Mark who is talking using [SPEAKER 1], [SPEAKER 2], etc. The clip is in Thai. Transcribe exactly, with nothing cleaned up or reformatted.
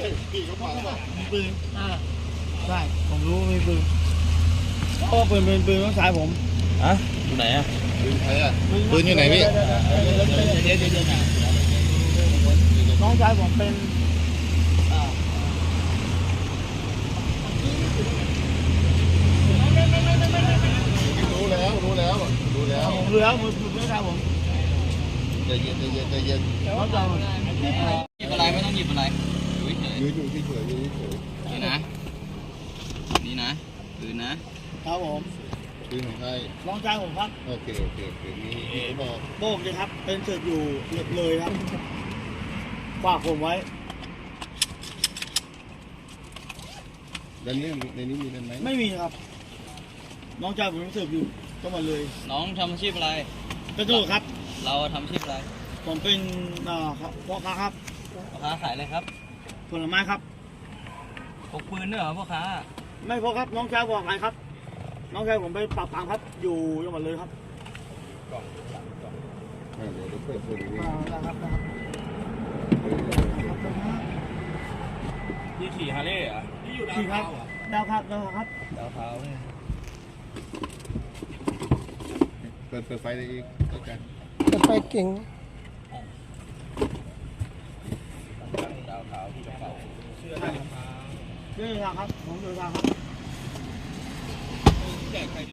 [SPEAKER 1] พี่เขาบอกว่าปืน
[SPEAKER 2] อ่าใช่ผมรู้มีปืนเพราะว่าปืนเป็นปืนน้องชายผม
[SPEAKER 3] อะอยู่ไหนอะ
[SPEAKER 1] ปืนใครอ่ะปืนอยู่ไหนพี่
[SPEAKER 2] เดี๋ยวเดี๋ยวเดี๋ยวน้องชายผมเป็นอ่า
[SPEAKER 1] รู้แล้วรู้แล้วรู้แล้ว
[SPEAKER 2] ผมรู้แล้วมือปืนน้องชายผม
[SPEAKER 1] ใจเย็นใจเย็นใจเย็น
[SPEAKER 2] น้องชายผม
[SPEAKER 3] หยิบอะไรไม่ต้องหยิบอะไรอยู่เฉย
[SPEAKER 1] ยืนอยู่ที่เฉยยืนเฉย
[SPEAKER 3] ๆนี่นะนี่นะปืนนะครับ
[SPEAKER 2] ผม
[SPEAKER 1] ปืนของใคร
[SPEAKER 2] น้องชายผมครับ
[SPEAKER 1] โอเคโอเคโอเคมีมีเขาบอก
[SPEAKER 2] โบกเลยครับเป็นเสร็จอยู่เลยครับฝากผมไว้
[SPEAKER 1] ด้านนี้ในนี้มีด้านไหม
[SPEAKER 2] ไม่มีครับ น้องชายผมเสิร์ฟอยู่ก็มาเลย
[SPEAKER 3] น้องทำอาชีพอะไร
[SPEAKER 2] กระโดดครับ
[SPEAKER 3] เราทำอาชีพอะไร
[SPEAKER 2] ผมเป็นอ่าพ่อค้าครับ
[SPEAKER 3] พ่อค้าขายอะไรครับ
[SPEAKER 2] ผลไม้ครับ
[SPEAKER 3] พกปืนด้วยเหรอพ่อค้า
[SPEAKER 2] ไม่พอครับน้องชายบอกไงครับ น้องชายผมไปปราบปรามครับ อยู่จังหวัดเลยครับ
[SPEAKER 1] เดี๋ยวเดี๋ยวเปิดเปิดดู
[SPEAKER 2] อ่านะครับนะครับ
[SPEAKER 3] ที่ขี่ฮาร์เลย์เหรอ
[SPEAKER 2] ขี่ครับดาวครับดาวครับ
[SPEAKER 3] ดาวเท้าเนี่ย
[SPEAKER 1] เปิดเปิดไฟได้อีกแล้วกัน
[SPEAKER 4] จะไปเก่ง
[SPEAKER 3] ดาวเท้าที่กระเป๋า
[SPEAKER 2] เดินทางครับผมเดินทางครับ